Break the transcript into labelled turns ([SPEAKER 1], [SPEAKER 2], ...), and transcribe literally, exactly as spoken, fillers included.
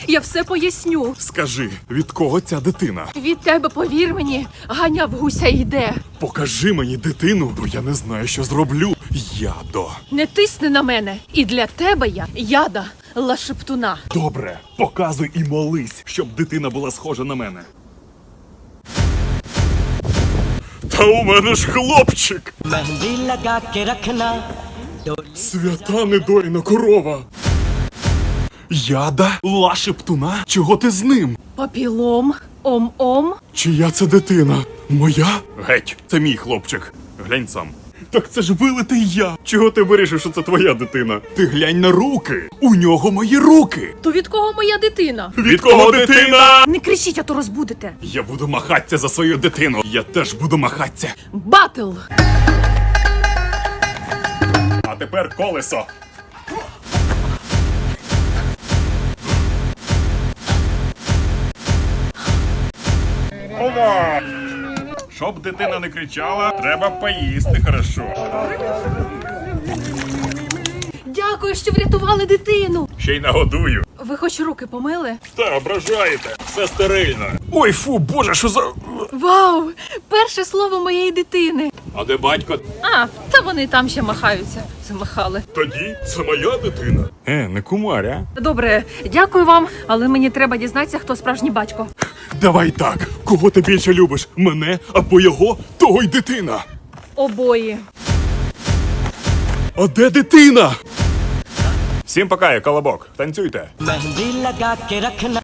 [SPEAKER 1] Я все поясню.
[SPEAKER 2] Скажи, від кого ця дитина?
[SPEAKER 1] Від тебе, повір мені, Ганя в гуся йде.
[SPEAKER 2] Покажи мені дитину, бо я не знаю, що зроблю. Ядо.
[SPEAKER 1] Не тисни на мене. І для тебе я яда лашептуна.
[SPEAKER 2] Добре, показуй і молись, щоб дитина була схожа на мене. Та у мене ж хлопчик!
[SPEAKER 3] मेहंदी लगा के रखना
[SPEAKER 2] Свята недоріна корова! Яда? Лашептуна? Чого ти з ним?
[SPEAKER 1] Папілом, ом-ом.
[SPEAKER 2] Чия це дитина? Моя? Геть, це мій хлопчик. Глянь сам. Так це ж вилитий я. Чого ти вирішив, що це твоя дитина? Ти глянь на руки. У нього мої руки.
[SPEAKER 1] То від кого моя дитина?
[SPEAKER 2] Від кого дитина?
[SPEAKER 1] Не кричіть, а то розбудете.
[SPEAKER 2] Я буду махатися за свою дитину. Я теж буду махатися.
[SPEAKER 1] Батл!
[SPEAKER 2] А тепер колесо. Ова! Щоб дитина не кричала, треба поїсти хорошо.
[SPEAKER 1] Дякую, що врятували дитину.
[SPEAKER 2] Ще й нагодую.
[SPEAKER 1] Ви хоч руки помили?
[SPEAKER 2] Та, ображаєте. Все стерильно. Ой, фу, боже, що за...
[SPEAKER 1] Вау! Перше слово моєї дитини.
[SPEAKER 2] А де батько?
[SPEAKER 1] А, та вони там ще махаються. Замахали.
[SPEAKER 2] Тоді це моя дитина. Е, не кумар, а?
[SPEAKER 1] Добре, дякую вам, але мені треба дізнатися, хто справжній батько.
[SPEAKER 2] Давай так. Кого ти більше любиш? Мене або його? Того й дитина.
[SPEAKER 1] Обоє.
[SPEAKER 2] А де дитина? Всім пока, я Колобок. Танцюйте.
[SPEAKER 3] मेहंदी लगा के रखना